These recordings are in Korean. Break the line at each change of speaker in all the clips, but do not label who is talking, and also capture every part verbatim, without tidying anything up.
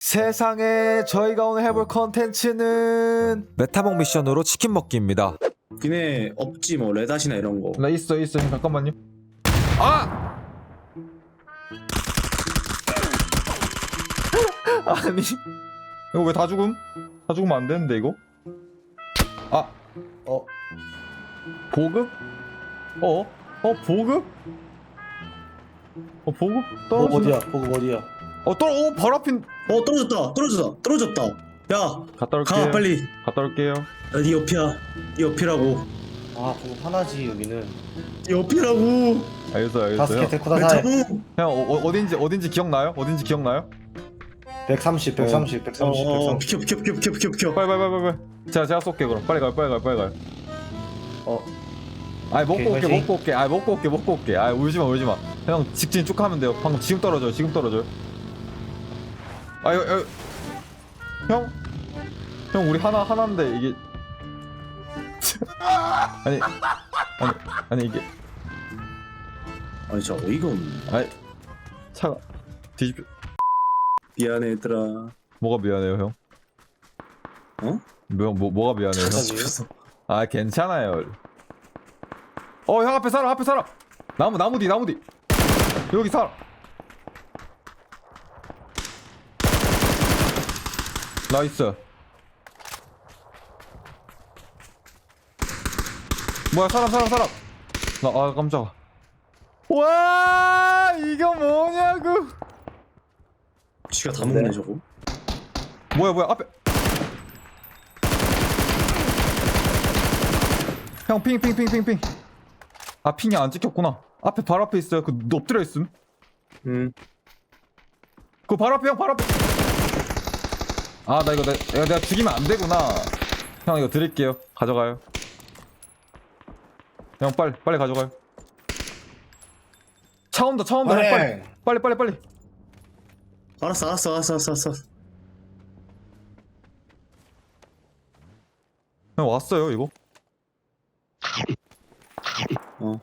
세상에, 저희가 오늘 해볼 컨텐츠는 메타몽 미션으로 치킨 먹기입니다.
니네 없지 뭐 레닷이나 이런 거.
나 있어 있어 잠깐만요. 아! 아니 이거 왜 다 죽음? 다 죽으면 안 되는데 이거? 아! 어? 보급? 어? 어 보급? 어 보급?
뭐
떨어진다.
어디야? 보급 어디야?
어 떨어. 어 바로 앞인.
어 떨어졌다 떨어졌다 떨어졌다. 야
갔다 올게요.
가 빨리.
갔다 올게요.
야, 네 옆이야. 네 옆이라고.
아 보급 하나지 여기는.
네 옆이라고.
알겠어요 알겠어요.
다스케
형,
데코다 사이.
메타몽.
형 어, 어, 어딘지 어딘지 기억나요? 어딘지 기억나요?
백삼십, 백삼십, 백삼십,
어,
백삼십.
비켜 비켜 비켜 비켜 비켜 비켜.
빨리 빨리 빨리 빨리. 제가 제가 쏠게 그럼. 빨리 가요 빨리 가요 빨리 가요.
어.
아이 먹고
오케이,
올게
화이팅.
먹고 올게. 아이 먹고 올게 먹고 올게. 아이 울지마 울지마. 형 직진 쭉 하면 돼요. 방금 지금 떨어져요 지금 떨어져요. 아유 유 형? 형 우리 하나 하나인데 이게 아니 아니 아니 이게
아니 진짜 어이가 없네.
아이 차가 뒤집혀.
미안해 얘들아.
뭐가 미안해요 형?
어?
뭐, 뭐 뭐가 미안해요 형?
뒤집혔어.
아 괜찮아요. 어 형 앞에 사람 앞에 사람. 나무 나무 뒤 나무 뒤. 여기 사람. 나이스. 뭐야 사람 사람 사람. 나 아 깜짝아. 와 이거 뭐냐고.
지가 다 먹네 저거.
뭐야 뭐야 앞에. 형 핑 핑 핑 핑 핑. 아 핑이 안 찍혔구나. 앞에 바로 앞에 있어요. 그 엎드려 있음.
응.
그 바로 앞에 형 바로 앞에. 아 나 이거 내, 내가, 내가 죽이면 안 되구나. 형 이거 드릴게요. 가져가요. 형 빨리 빨리 가져가요. 차 온다 차 온다. 형, 빨리 빨리 빨리 빨리.
알았어 알았어 알았어 알았어 알았어.
형 왔어요 이거.
어.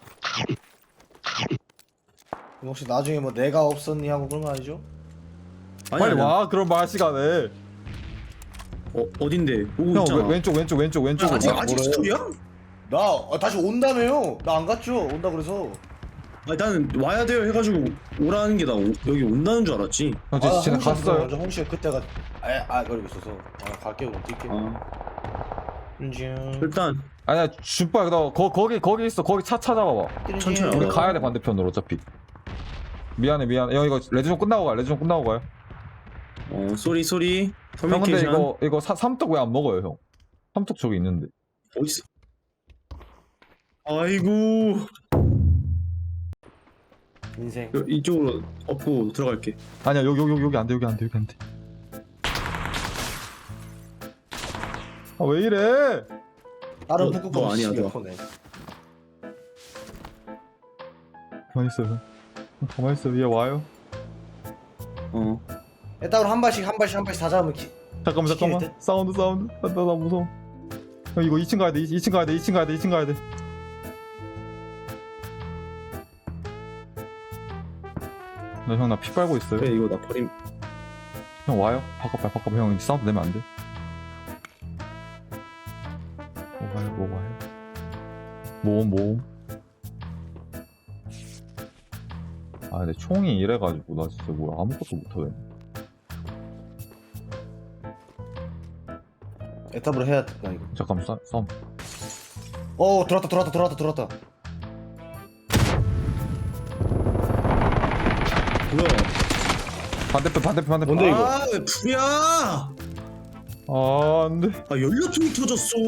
혹시 나중에 뭐 내가 없었니 하고 그런 거 아니죠?
아니,
빨리
아니야.
와 그럼 말 시간에.
어 어딘데? 오고
형
있잖아.
왼- 왼쪽 왼쪽 왼쪽 왼쪽.
아직
아,
아직
뭐래?
스토리야?
나 아, 다시 온다며요. 나 안 갔죠. 온다 그래서.
아니 나는 와야 돼요 해가지고 오라는 게 나 여기 온다는 줄 알았지.
형 쟤, 쟤네
홍시가
갔어요.
먼저 홍시가 그때가 아아 그러고 있어서 아 갈게요 그럼 뛸게.
어.
음.
일단
아니야 준빨 너 거, 거기 거기 있어. 거기 차 찾아봐봐.
천천히
우리
어.
가야 돼 반대편으로 어차피. 미안해 미안해. 형 이거 레드존 끝나고 가. 레드존 끝나고 가요.
어 쏘리 쏘리.
형 근데
커뮤니케이션.
이거 이거 사, 삼떡 왜 안 먹어요 형? 삼떡 저기 있는데.
어딨어? 아이고.
인생.
여- 이쪽으로 업고 들어갈게.
아니야 여기 여기 여기 안 돼 여기 안 돼 여기 안 돼. 아 왜 이래?
다른
너-
북극
너 아니야, 너.
네
가만히 있어요. 형. 가만히 있어. 얘 와요.
어.
일단 한 발씩 한 발씩 한 발씩 다 잡으면 기...
잠깐만 잠깐만.
시키는데?
사운드 사운드. 나, 나, 나 무서워. 형 이거 이 층 가야 돼. 이 층 가야 돼. 이 층 가야 돼. 이 층 가야 돼. 나 형 나 피 빨고 있어요.
그래 이거 나 버림.
형 와요? 바꿔 봐 바꿔. 형 사운드 내면 안 돼. 뭐 와요 뭐 와요. 모음 모음. 아 근데 총이 이래가지고 나 진짜 뭐야 아무것도 못하겠네.
에탑으로 해야 될까 이거.
잠깐만 싸, 싸움.
어 들어왔다 들어왔다 들어왔다 들어왔다.
뭐야?
반대편 반대편 반대편.
뭔데, 이거?
아왜 불이야?
아 안돼.
아 연료통이 터졌어.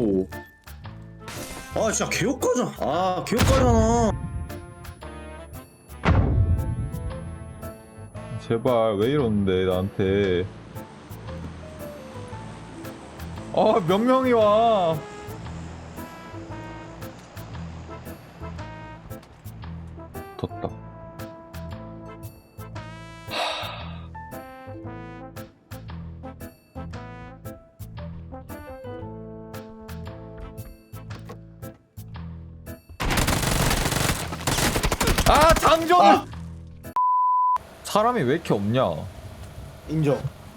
아 진짜 개역가잖아. 아 개역가잖아.
제발 왜 이러는데 나한테. 아 몇 명이 와. 뒀다. 아 장전.
아!
사람이 왜 이렇게 없냐?
인정.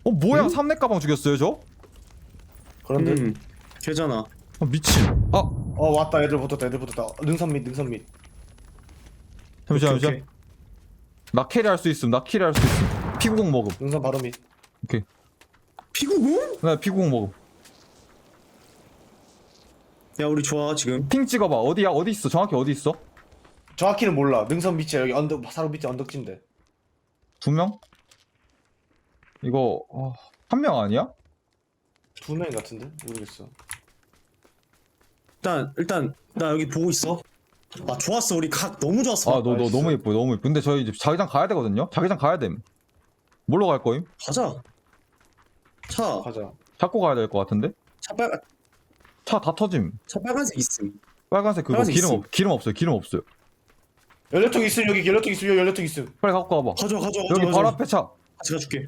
어 뭐야
응?
삼렙 가방 죽였어요 저?
그런데
음 걔잖아.
어, 미친. 아
어 왔다 애들 붙었다 애들 붙었다 능선 밑 능선 밑
잠시만
오케이,
잠시만.
오케이.
나 캐리할 수 있음. 나 캐리할 수 있음. 피구공 먹음.
능선 바로 밑
오케이.
피구공?
나 피구공 먹음.
야 우리 좋아 지금.
핑 찍어봐. 어디야? 어디 있어? 정확히 어디 있어?
정확히는 몰라 능선 밑이야 여기 언덕 바로 밑에 언덕진데
두 명? 이거 어, 한 명 아니야?
두 명 같은데 모르겠어
일단 일단 나 여기 보고 있어. 아 좋았어 우리 각 너무 좋았어.
아 너 너
나이스.
너무 예뻐 너무 예뻐. 근데 저희 이제 자기장 가야 되거든요. 자기장 가야 됨. 뭘로 갈 거임?
가자. 차.
가자
잡고 가야 될 것 같은데?
차 빨.
차 다 터짐.
차 빨간색 있음.
빨간색 그거
빨간색
기름
있음.
없 기름 없어요. 기름 없어요.
연료통 있음 여기 연료통 있음 여기 연료통 있음
빨리 갖고 와봐.
가져 가져 가져.
여기
가져.
바로 앞에 차.
같이 가줄게.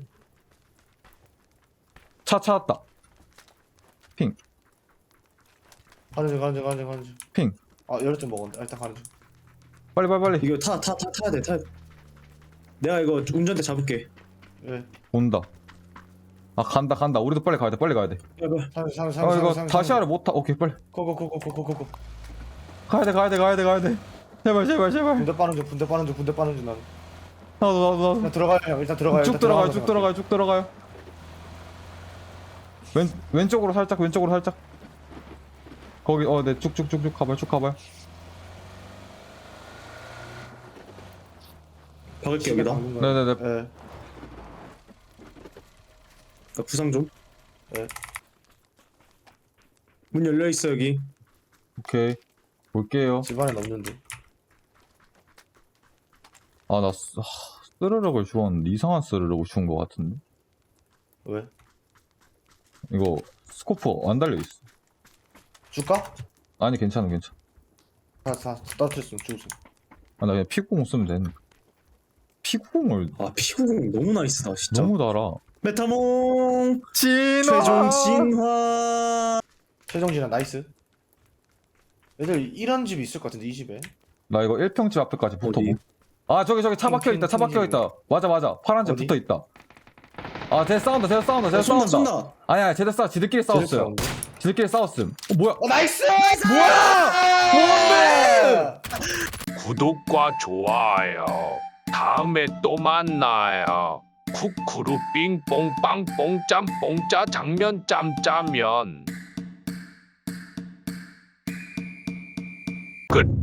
차 찾았다. 핑.
가는 중 가는 중 가는 중 가는 중
핑.
아 연료통 먹었는데 아, 일단 가는 중
빨리 빨리 빨리.
이거 타 타 타 타야 돼 타야 돼. 내가 이거 운전대 잡을게.
예
온다. 아 간다 간다. 우리도 빨리 가야 돼. 빨리 가야 돼.
야봐.
상주 상주
아
상주
이거
상주
다시아를 못 타. 오케이 빨리.
고고고고고고고
가야 돼 가야 돼 가야 돼 가야 돼. 제발 제발 제발.
분대 빠는 중 분대 빠는 중 분대 빠는 중 나는
나도 나도 나도.
일단 들어가요 형 일단 들어가요
쭉
일단
들어가요
들어가면서
쭉 들어가요 쭉 들어가요. 왼 왼쪽으로 살짝 왼쪽으로 살짝. 거기 어네 쭉쭉쭉쭉 가봐요 쭉 가봐요.
박을게
시계
여기다.
박는 거야.
네네네.
예
나 부상 좀.
예.
문 열려 있어 여기.
오케이 볼게요.
집안에 없는데
아나 스르륵을 주웠는데 이상한 스르륵을 주운 것 같은데.
왜?
이거 스코프 안 달려 있어.
줄까?
아니 괜찮아 괜찮아.
다다 따뜻했음 죽었음
아 나 그냥 피구공 쓰면 되는. 피구공을
아 피구공 너무 나이스다 진짜.
너무 달아.
메타몽
진화.
최종 진화.
최종 진화 나이스 애들 이런 집이 있을 것 같은데 이 집에
나 이거 일 평집 앞에까지 붙어보.
어디?
아 저기 저기 차
핑,
박혀 있다. 차
핑,
박혀
핑
있다. 맞아 맞아. 파란 집
어디?
붙어 있다. 아 쟤 싸운다. 쟤 싸운다. 쟤
어, 쏜다
싸운다.
쏜다.
아니야 쟤들 싸. 지들끼리 싸웠어요.
사운드.
지들끼리 싸웠음. 어 뭐야?
어 나이스!
뭐야? 뭔데?
구독과 좋아요. 다음에 또 만나요. 쿠쿠루 삥뽕 빵뽕 짬뽕 짜장면 짬짜면 끝.